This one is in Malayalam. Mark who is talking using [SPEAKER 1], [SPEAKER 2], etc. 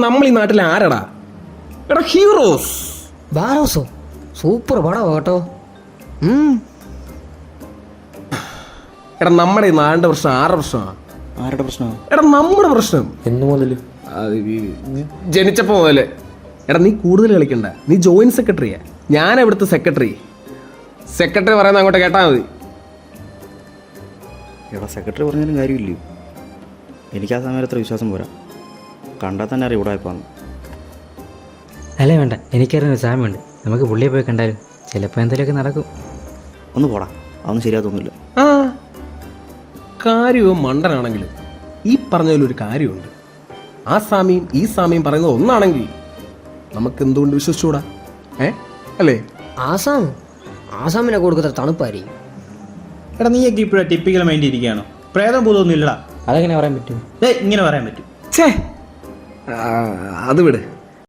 [SPEAKER 1] നമ്മൾ ഈ നാട്ടിൽ ആരടാ? എടാ ഹീറോസ്.
[SPEAKER 2] ബാരോസോ സൂപ്പർ പടം കേട്ടോ.
[SPEAKER 1] എടാ നമ്മുടെ ഈ നാടിന്റെ പ്രശ്നം ആരുടെ പ്രശ്നമാണ്?
[SPEAKER 3] ആരുടെ പ്രശ്നമാണ്?
[SPEAKER 1] എടാ നമ്മുടെ പ്രശ്നം.
[SPEAKER 3] എന്നു മുതൽ?
[SPEAKER 1] ജനിച്ചപ്പോ മുതല്. എടാ നീ കൂടുതൽ കളിക്കണ്ട, നീ ജോയിന്റ് സെക്രട്ടറിയാ, ഞാൻ ഇവിടുത്തെ സെക്രട്ടറി. സെക്രട്ടറി പറയുന്ന അങ്ങോട്ട് കേട്ടാ മതി.
[SPEAKER 3] എടാ സെക്രട്ടറി പറഞ്ഞാലും കാര്യമില്ലേ? എനിക്ക് ആ സമയം അത്ര വിശ്വാസം പോരാ. കണ്ടാൽ തന്നെ അറിയാം ഇവിടെ ആയിപ്പോന്ന്.
[SPEAKER 4] അല്ലേ വേണ്ട, എനിക്കറിയുന്ന സാമ്യമുണ്ട്. നമുക്ക് പുള്ളിയെ പോയി കണ്ടാലും ചിലപ്പോൾ എന്തെങ്കിലുമൊക്കെ നടക്കും.
[SPEAKER 3] ഒന്ന് പോടാ, അതൊന്നും ശരിയാത്തൊന്നുമില്ല.
[SPEAKER 1] ആ കാര്യവും മണ്ടനാണെങ്കിലും ഈ പറഞ്ഞതിലൊരു കാര്യമുണ്ട്. ആ സ്വാമിയും ഈ സ്വാമിയും പറയുന്നത് ഒന്നാണെങ്കിൽ നമുക്ക് എന്തുകൊണ്ട് വിശ്വസിച്ചുകൂടാ? അല്ലേ?
[SPEAKER 2] ആസാമിനെ കൊടുക്കുന്ന തണുപ്പായിരിക്കും.
[SPEAKER 5] എടാ നീയൊക്കെ ഇപ്പോഴാണ് ടിപ്പിക്കൽ മൈൻഡ് ഇരിക്കുകയാണോ? പ്രേതം ഭൂതമൊന്നും ഇല്ലടാ.
[SPEAKER 4] അതെങ്ങനെ പറയാൻ പറ്റും?
[SPEAKER 5] ഇങ്ങനെ പറയാൻ പറ്റും.
[SPEAKER 1] അത് വിട്.